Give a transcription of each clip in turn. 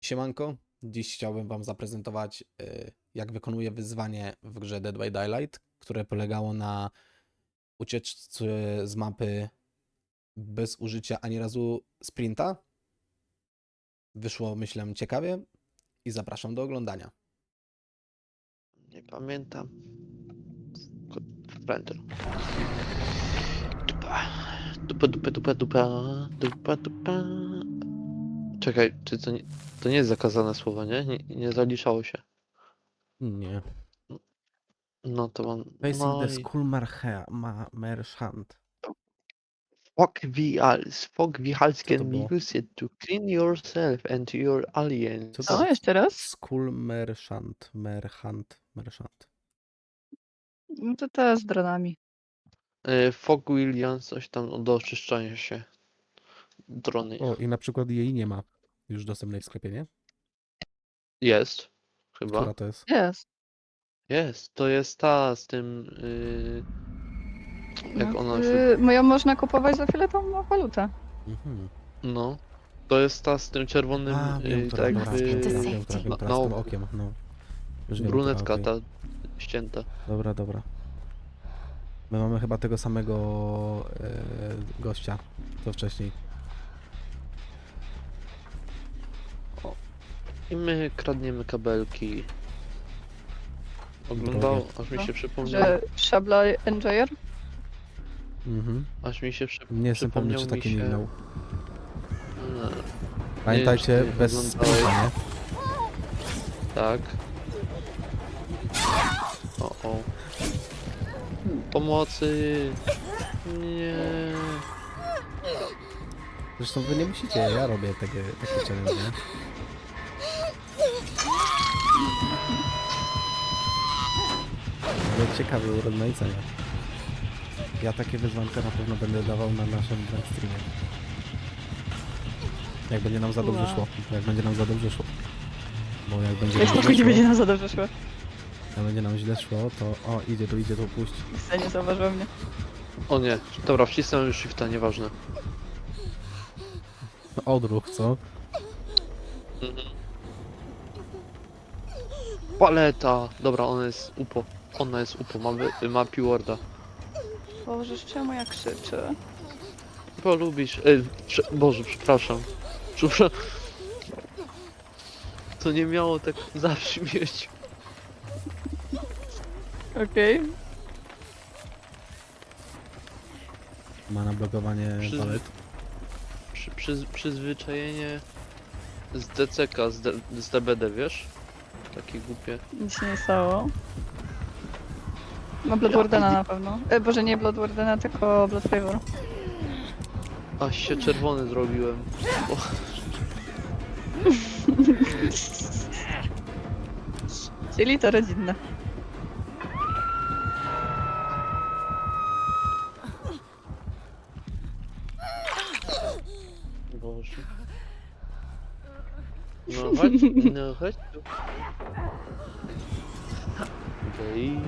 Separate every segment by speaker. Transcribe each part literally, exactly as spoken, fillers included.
Speaker 1: Siemanko, dziś chciałbym Wam zaprezentować, y, jak wykonuję wyzwanie w grze Dead by Daylight, które polegało na ucieczce z mapy bez użycia ani razu sprinta. Wyszło, myślę, ciekawie i zapraszam do oglądania.
Speaker 2: Nie pamiętam. Sprinter. Dupa. Dupa, dupa, dupa, dupa. Dupa, dupa. Czekaj, czy to nie, to nie jest zakazane słowo, nie? Nie, nie zaliczało się.
Speaker 1: Nie.
Speaker 2: No to mam.
Speaker 1: Facing
Speaker 2: No
Speaker 1: the
Speaker 2: i.
Speaker 1: Skull Marche- ma Merchant.
Speaker 2: Fogwihals. Fogwihals
Speaker 1: Co to
Speaker 2: can be
Speaker 1: było?
Speaker 2: used to clean yourself and your
Speaker 1: Co
Speaker 2: aliens.
Speaker 1: to
Speaker 3: O, jeszcze raz?
Speaker 1: Skull Merchant, Merchant, Merchant.
Speaker 3: No to teraz z dronami.
Speaker 2: Y, Fog Williams, coś tam do oczyszczania się. Drony.
Speaker 1: O, i na przykład jej nie ma już dostępnej w sklepie, nie?
Speaker 2: Jest. Chyba.
Speaker 1: Która to jest?
Speaker 3: Jest.
Speaker 2: Jest. To jest ta z tym. y, Jak
Speaker 3: No,
Speaker 2: ona się.
Speaker 3: y, moją można kupować za fioletową walutę.
Speaker 1: Mhm.
Speaker 2: No. To jest ta z tym czerwonym.
Speaker 1: A, wiem,
Speaker 2: y,
Speaker 1: która,
Speaker 2: tak
Speaker 1: dobra,
Speaker 2: jakby.
Speaker 1: wiem, która, wiem, która, wiem,
Speaker 2: na,
Speaker 1: która,
Speaker 2: na
Speaker 1: z tym
Speaker 2: oku.
Speaker 1: okiem, no. Już wiem,
Speaker 2: Brunetka
Speaker 1: która,
Speaker 2: ta
Speaker 1: okej.
Speaker 2: ścięta.
Speaker 1: Dobra, dobra. My mamy chyba tego samego e, gościa, co wcześniej.
Speaker 2: I my kradniemy kabelki. Oglądał,
Speaker 1: Drogie.
Speaker 2: aż mi
Speaker 3: No,
Speaker 2: się przypomniał.
Speaker 3: Że szabla Enjoyer?
Speaker 1: Mhm.
Speaker 2: Aż mi się przy,
Speaker 1: Nie jestem pewny,
Speaker 2: przypomniał
Speaker 1: czy
Speaker 2: mi
Speaker 1: taki
Speaker 2: się.
Speaker 1: mignął.
Speaker 2: e,
Speaker 1: Pamiętajcie,
Speaker 2: nie wiem, czy ty
Speaker 1: bez
Speaker 2: oglądałeś.
Speaker 1: sprinta, nie?
Speaker 2: Tak. O, o. Pomocy! Nie.
Speaker 1: Zresztą wy nie musicie, ja robię takie, takie challenge, nie? Ale ciekawe urozmaicenia. Ja takie wyzwanka na pewno będę dawał na naszym live streamie. Jak będzie nam za dobrze
Speaker 3: Wow.
Speaker 1: szło. Jak będzie nam za dobrze szło. Bo jak będzie
Speaker 3: Jak
Speaker 1: nam źle
Speaker 3: spokojnie będzie
Speaker 1: szło,
Speaker 3: nam za dobrze szło.
Speaker 1: jak będzie nam źle szło, to o, idzie tu, idzie tu, puść.
Speaker 3: Nic nie zauważyła mnie.
Speaker 2: O nie. Dobra, wcisnąłem już shifta, nieważne.
Speaker 1: Odruch, co?
Speaker 2: Mhm. Paleta! Dobra, ona jest upo. Ona jest upo, ma, wy- ma P-Worda.
Speaker 3: Boże, czemu ja krzyczę?
Speaker 2: Bo lubisz. Ej, prze, Boże, przepraszam. Przepraszam. To nie miało tak zabrzmieć.
Speaker 3: Okej.
Speaker 1: Ma na blokowanie
Speaker 2: Przyzwy-
Speaker 1: palet.
Speaker 2: Przy, przyz, przyzwyczajenie z D C K, z, D, z D B D, wiesz? Takie głupie.
Speaker 3: Nic się nie stało. Ma Bloodwardena na pewno. E, Boże, nie Bloodwardena, tylko Blood Favor.
Speaker 2: Aż się czerwony zrobiłem. Bo...
Speaker 3: Czyli to rodzinne.
Speaker 2: Boże. No chodź, no chodź tu. Okej.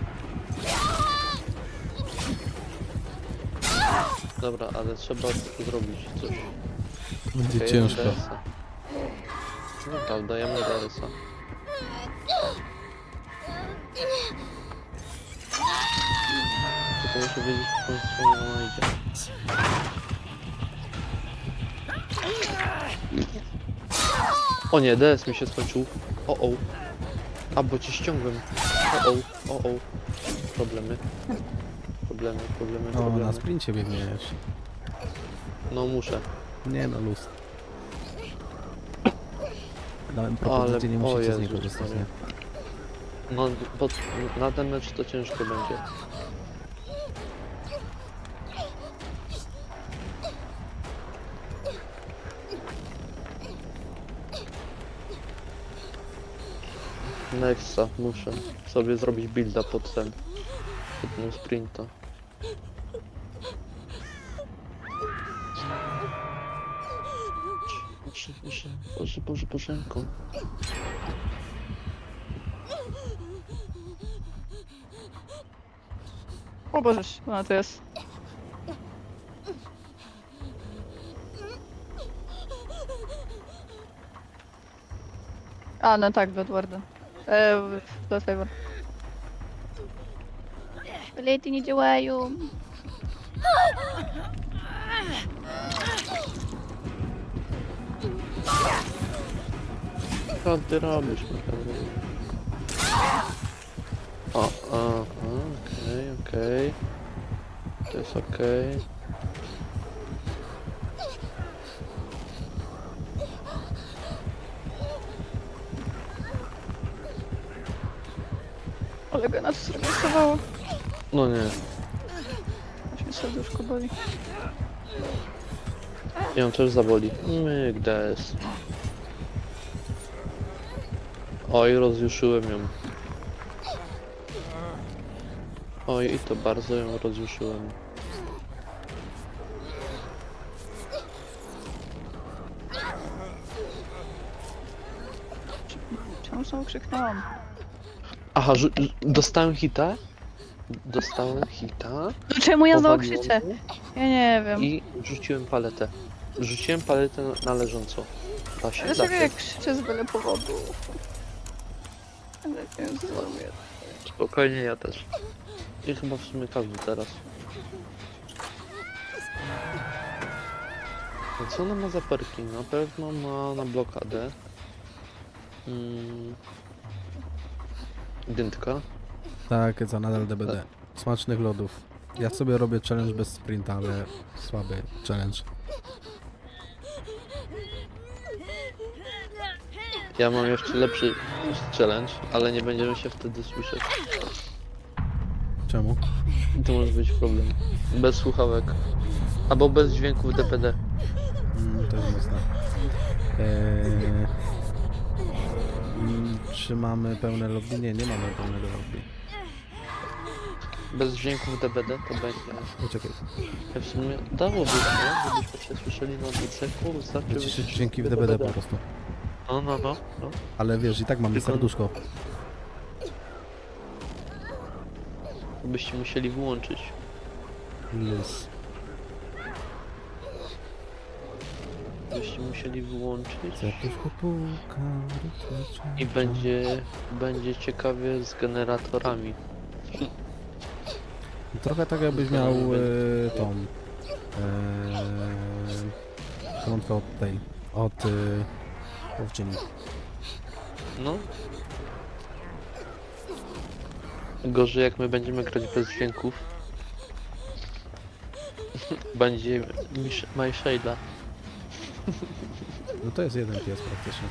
Speaker 2: Dobra, ale trzeba zrobić coś.
Speaker 1: Będzie
Speaker 2: Okej,
Speaker 1: ciężko.
Speaker 2: D S a. No tak, dajemy D S a. Tylko muszę wiedzieć, w którą stronę ona idzie. O nie, D S mi się skończył. O o. A, bo cię ściągłem. O o, o o. Problemy. Problemy, problemy,
Speaker 1: O, na
Speaker 2: problemy.
Speaker 1: sprincie biegniesz.
Speaker 2: No muszę.
Speaker 1: Nie no, luz. Dałem
Speaker 2: Ale-
Speaker 1: propozycję, nie
Speaker 2: o
Speaker 1: musicie z
Speaker 2: Jezus
Speaker 1: niej korzystać,
Speaker 2: Maria.
Speaker 1: nie?
Speaker 2: No, bo na ten mecz to ciężko będzie. Nexa, muszę sobie zrobić builda pod ten, pod ten sprinta. Boże, Boże, Boże, Boże, Bożenko.
Speaker 3: O Boże, ona to jest. A, no tak, Blood Warden. E, Blood Favor. Lety nie działają.
Speaker 2: Co ty robisz, naprawdę? O, aha, okej, okej. To jest okej.
Speaker 3: Ale go na to zremisowało.
Speaker 2: No nie,
Speaker 3: Aż mi serduszko boli.
Speaker 2: ją też zaboli. Myk, des. Oj, rozjuszyłem ją. Oj, i to bardzo ją rozjuszyłem.
Speaker 3: Czemu znowu krzyknęłam?
Speaker 2: Aha, rzu- rzu- dostałem hita? Dostałem hita.
Speaker 3: No czemu ja znowu
Speaker 2: powaliło
Speaker 3: krzyczę?
Speaker 2: mnie
Speaker 3: Ja nie wiem.
Speaker 2: I rzuciłem paletę. Rzuciłem paletę na, na leżąco. Da się? Da
Speaker 3: Dlaczego
Speaker 2: się.
Speaker 3: jak krzyczę z byle powodu? Ale nie wiem, co zrobię.
Speaker 2: Spokojnie, ja też. I chyba w sumie każdy teraz. A co ona ma za perki? Na pewno ma na blokadę. Mm. Dyntka.
Speaker 1: Tak, co nadal D B D. Smacznych lodów. Ja sobie robię challenge bez sprinta, ale słaby challenge.
Speaker 2: Ja mam jeszcze lepszy challenge, ale nie będziemy się wtedy słyszeć.
Speaker 1: Czemu?
Speaker 2: I to może być problem. Bez słuchawek. Albo bez dźwięków D P D.
Speaker 1: Mm, to jest mocne. Eee, mm, czy mamy pełne lobby? Nie, nie mamy pełnego lobby.
Speaker 2: Bez dźwięków D P D to będzie.
Speaker 1: Poczekaj.
Speaker 2: Ja w sumie dałoby się, żebyśmy się słyszeli na odcinku, wystarczy
Speaker 1: Wyciszyć
Speaker 2: wyciszyć
Speaker 1: dźwięki w D B D po prostu.
Speaker 2: No, no, no, no.
Speaker 1: Ale wiesz, i tak mamy
Speaker 2: Tylko-
Speaker 1: serduszko.
Speaker 2: Byście musieli wyłączyć.
Speaker 1: Luz.
Speaker 2: Byście musieli wyłączyć.
Speaker 1: Serduszko puka. rytmicznie.
Speaker 2: I będzie, będzie ciekawie z generatorami.
Speaker 1: Trochę tak jakbyś miał e, tą e, końcówkę od tej, od e, owczyni.
Speaker 2: No. Gorzej jak my będziemy grać bez dźwięków. Będzie Mish- My Shayla.
Speaker 1: No to jest jeden pies praktycznie.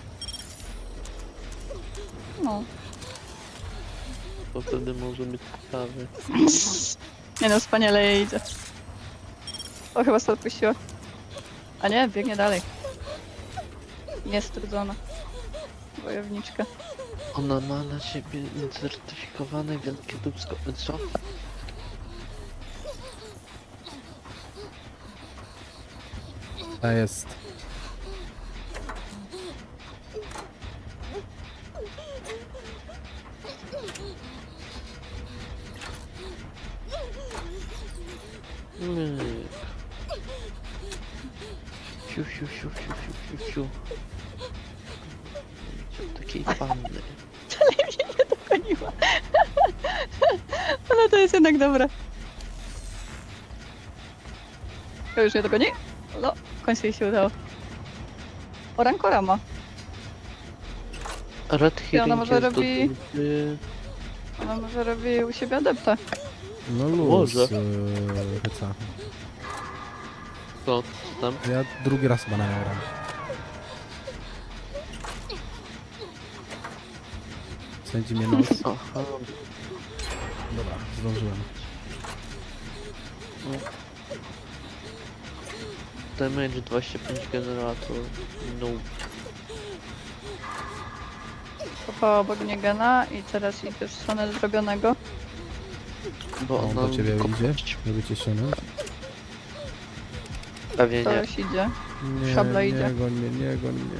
Speaker 3: No.
Speaker 2: To wtedy może być ciekawy.
Speaker 3: Nie no, wspaniale jej idzie. O, chyba sobie odpuściła. A nie, biegnie dalej. Niestrudzona. Wojowniczka.
Speaker 2: Ona ma na siebie certyfikowane wielkie dubsko. Co?
Speaker 1: A jest.
Speaker 2: Myk. Siu, siu, siu, siu, siu, siu, siu. Takiej panny.
Speaker 3: Ale mnie nie dogoniła. Ale to jest jednak dobre. To już nie dogoni? No, w końcu jej się udało. O, Rankora ma.
Speaker 2: Red
Speaker 3: I ona
Speaker 2: Herring
Speaker 3: może
Speaker 2: jest do
Speaker 3: robi-
Speaker 2: dupy.
Speaker 3: Ona może robi u siebie adepta.
Speaker 1: No luz.
Speaker 2: Może.
Speaker 1: E, hyca.
Speaker 2: Co tam?
Speaker 1: Ja drugi raz chyba na nią gram. Sędzi mnie nos.
Speaker 2: Aha.
Speaker 1: Dobra, zdążyłem.
Speaker 2: Damage dwadzieścia pięć generator. No.
Speaker 3: Kopała bognię Gena i teraz idzie w stronę zrobionego.
Speaker 2: Bo
Speaker 1: On
Speaker 2: ona
Speaker 1: do ciebie
Speaker 2: kopać.
Speaker 1: idzie, żeby cię ściągnąć.
Speaker 2: Pewnie nie.
Speaker 3: Ktoś idzie.
Speaker 1: Nie,
Speaker 3: Szabla
Speaker 1: nie
Speaker 3: idzie.
Speaker 1: goń mnie, nie goń mnie.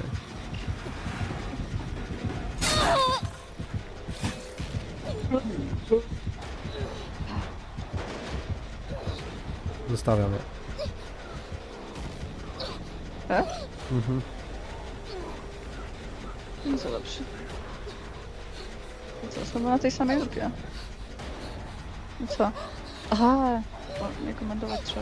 Speaker 1: Zostawiam je.
Speaker 3: E?
Speaker 1: Mhm.
Speaker 3: No co dobrze. I co, znowu na tej samej grupie. No co? Aha! O, nie komentować trzeba.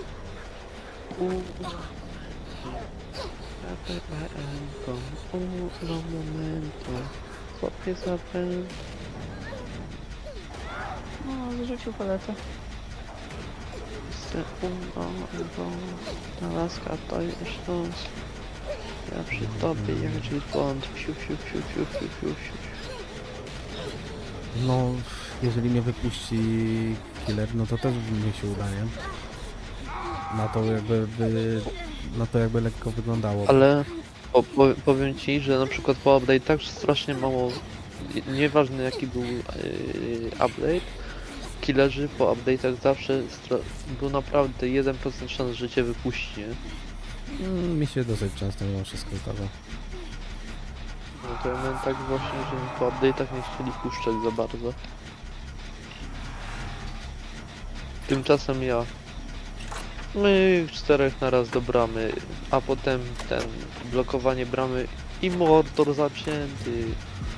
Speaker 2: Un momento. Złapie zapel.
Speaker 3: No, wyrzucił paletę.
Speaker 2: Sekundą, ta laska to już los. Ja przy tobie jak James Bond. Fiu, fiu, fiu, fiu, fiu, fiu, fiu.
Speaker 1: No, jeżeli mnie wypuści killer, no to też mi się uda, nie? Na to jakby, by, na to jakby lekko wyglądało.
Speaker 2: Ale po, po, powiem ci, że na przykład po update'ach strasznie mało, nieważne jaki był yy, update, killerzy po update'ach zawsze stra- był naprawdę jeden procent szans, że cię wypuści, nie?
Speaker 1: Mm, mi się dosyć często mimo wszystko zdarza.
Speaker 2: No to ja miałem tak właśnie, że mi po update'ach nie chcieli puszczać za bardzo. Tymczasem ja my czterech na raz do bramy, a potem ten blokowanie bramy i Mordor zacięty.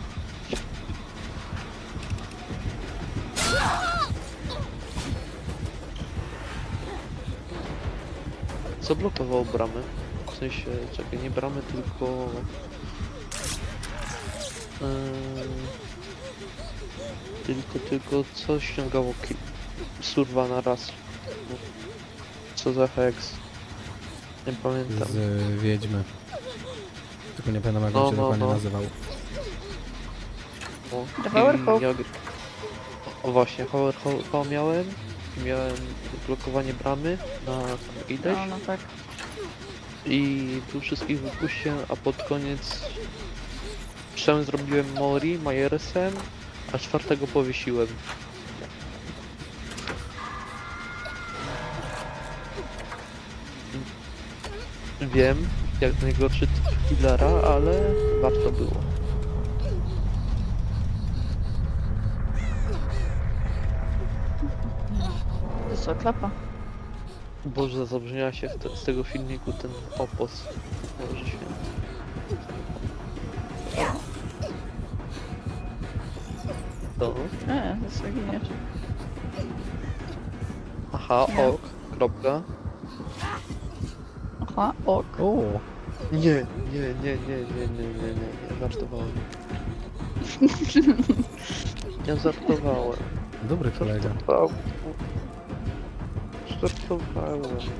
Speaker 2: Co blokowało bramę? W sensie, czekaj, nie bramę, tylko... Yy, tylko, tylko co ściągało ki- surwa na raz? No, co za hex? Nie pamiętam.
Speaker 1: Z y, Wiedźmy. Tylko nie pamiętam jak
Speaker 2: No,
Speaker 1: on się
Speaker 2: no,
Speaker 1: dokładnie
Speaker 2: no.
Speaker 1: nazywał.
Speaker 2: No,
Speaker 3: Devour
Speaker 2: i
Speaker 3: Hope.
Speaker 2: ja... O właśnie, Power Hope miałem. Miałem blokowanie bramy na ileś.
Speaker 3: No, no tak.
Speaker 2: I tu wszystkich wypuściłem, a pod koniec trzem zrobiłem Mori, Majersem, a czwartego powiesiłem. Wiem, jak najgorszy typ killera, ale warto było.
Speaker 3: To co, klapa?
Speaker 2: Boże, zabrzmiała się w te, z tego filmiku ten opos. Boże święty. To?
Speaker 3: Nie, to co giniesz.
Speaker 2: Aha,
Speaker 3: Nie.
Speaker 2: ok, kropka.
Speaker 3: Aha, ok.
Speaker 1: O,
Speaker 2: Nie, nie, nie, nie, nie, nie, nie, nie, nie, żartowałem. Ja żartowałem.
Speaker 1: dobry kolega.
Speaker 2: Żartowałem. Żartowałem, no.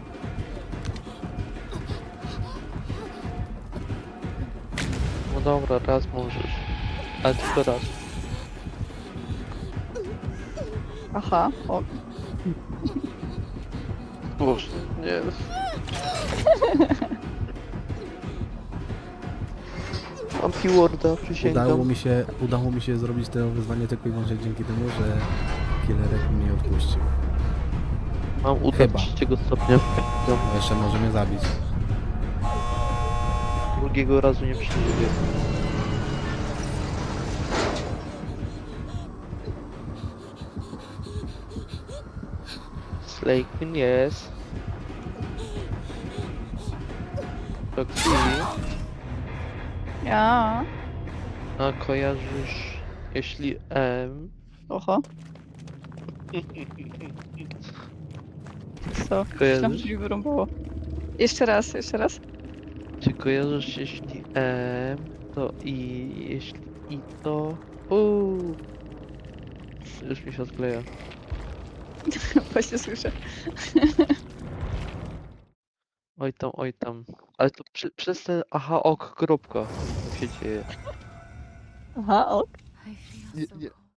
Speaker 2: No dobra, raz możesz. Ale tylko raz.
Speaker 3: Aha, ok.
Speaker 2: Boże, nie. Mam keyword'a, przysięgam.
Speaker 1: Udało mi się, udało mi się zrobić to wyzwanie tylko i wyłącznie dzięki temu, że killerek mnie odpuścił.
Speaker 2: Mam uda
Speaker 1: Chyba.
Speaker 2: trzeciego stopnia.
Speaker 1: No, jeszcze może mnie zabić.
Speaker 2: Drugiego razu nie przeżyję. Slay Queen jest. Roxy,
Speaker 3: Ja.
Speaker 2: a kojarzysz, jeśli M,
Speaker 3: Oho. Co?
Speaker 2: Kojarzysz?
Speaker 3: Myślałam, że mi wyrąbało. Jeszcze raz, jeszcze raz.
Speaker 2: czy kojarzysz, jeśli M, to I, jeśli I, to U. Już mi się odkleja.
Speaker 3: Właśnie słyszę.
Speaker 2: Oj tam, oj tam. Ale to przy, przez ten aha ok kropka się dzieje.
Speaker 3: Aha, ok.
Speaker 2: Nie, nie,